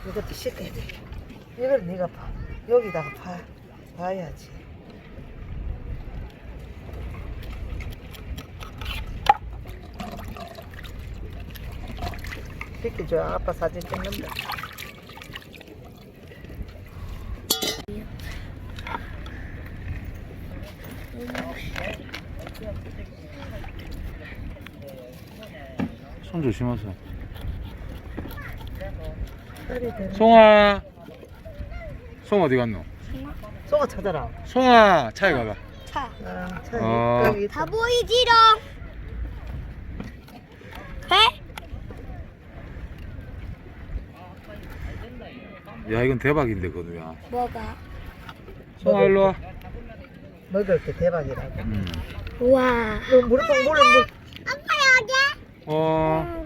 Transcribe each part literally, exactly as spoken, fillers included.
이것도 씻어야 돼. 이걸 네가 봐. 여기다가 봐. 봐야지. 비켜줘. 아빠 사진 찍는다. 손 조심하세요. 송아. 송아. 송 어디 갔노? 송아 찾아라. 송아 차에 가봐. 차. 아, 차 어. 여기 있다. 다 보이지롱. 회? 야 이건 대박인데 건우야. 뭐가? 송아 일로 와. 먹을 게 대박이라고. 음. 우와. 너 물통 물을 물. 아빠 여기? 어.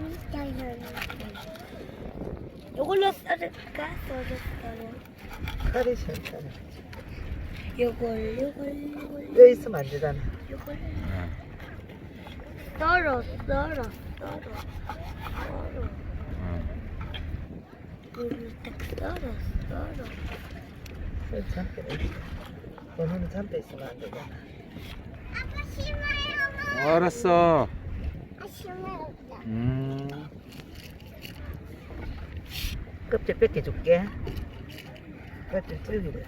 요걸로 썰을까? 썰을까? 칼이 싫잖아. 요걸 요걸 요걸 여기 있으면 안 되잖아. 요걸 네. 썰어 썰어 썰어 썰어 어. 요걸 딱 썰어 썰어 여기 잠배 있어. 너는 잠배 있으면 안 되잖아. 아빠 심어요. 알았어. 아 심어요. 음. 껍질 뺏겨줄게. 껍질 찔기래.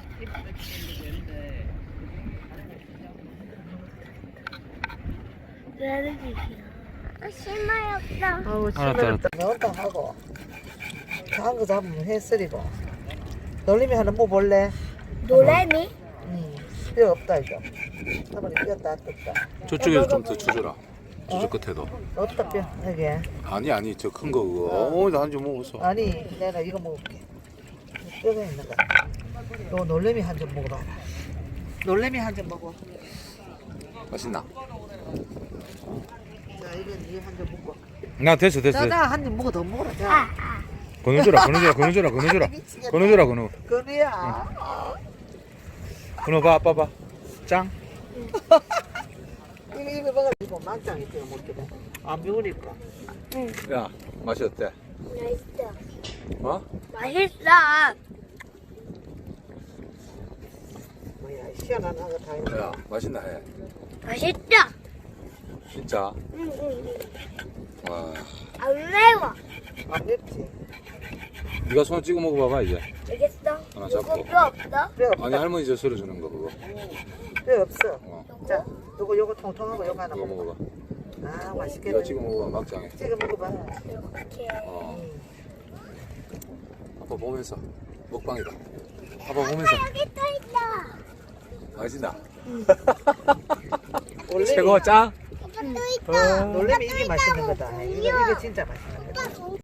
나는 이기야. 아 심어요 없어. 아우 알았다, 시끄럽다. 넣었다 하고 작은 거 잡으면 해쓰리고. 놀림이 하나 뭐 볼래? 노래미? 응. 뼈 없다 이거. 한번 뼈 다 떴다. 저쪽에도 좀 더 주줘라. 저쪽 끝에도. 없다 뼈 여기. 아니 아니 저 큰 거 그거. 어, 나 한 점 먹었어. 아니 내가 이거 먹을게. 뼈가 있는 거. 너 놀래미 한 점 먹어봐라. 놀래미 한 점 먹어. 맛있나? 자 이건 이거 한 점 먹고. 나 됐어 됐어. 자자 한 점 먹어 더 먹어라. 아, 자. 아. 건우줘라 건우줘라 건우줘라 건우줘라. 미치겠다. 건우줘라 건우. 그래야. 건우 봐 아빠 봐. 짱. 이거 이거 먹어. 이거 망짱이 뼈 먹게 돼. 안 배우니까. 야 맛이 어때? 맛있어. 어? 맛있어. 뭐야 시원한 하고 다 있네. 야 맛있나 해. 맛있어. 진짜. 응, 응, 응. 와. 안 매워. 안 맵지. 네가 손 찍어 먹어봐봐 이제. 알겠어? 하나 이거 잡고. 뼈 없어? 뼈 없다. 아니 할머니 저 썰어 주는 거 그거. 뼈 없어. 어. 자, 요거 요거 통통하고 요거 하나 그거 먹어. 먹어봐. 아 맛있겠다. 네가 찍어 먹어봐 막장에. 찍어 먹어봐. 이렇게. 어. 응. 아빠 보면서 먹방이다. 아빠 보면서. 여기 또 있다. 맛있나? 원래 최고 짱. 아빠 또 있다. 놀래미 이게 맛있는 거다. 이거 이거 진짜 맛있는 거다.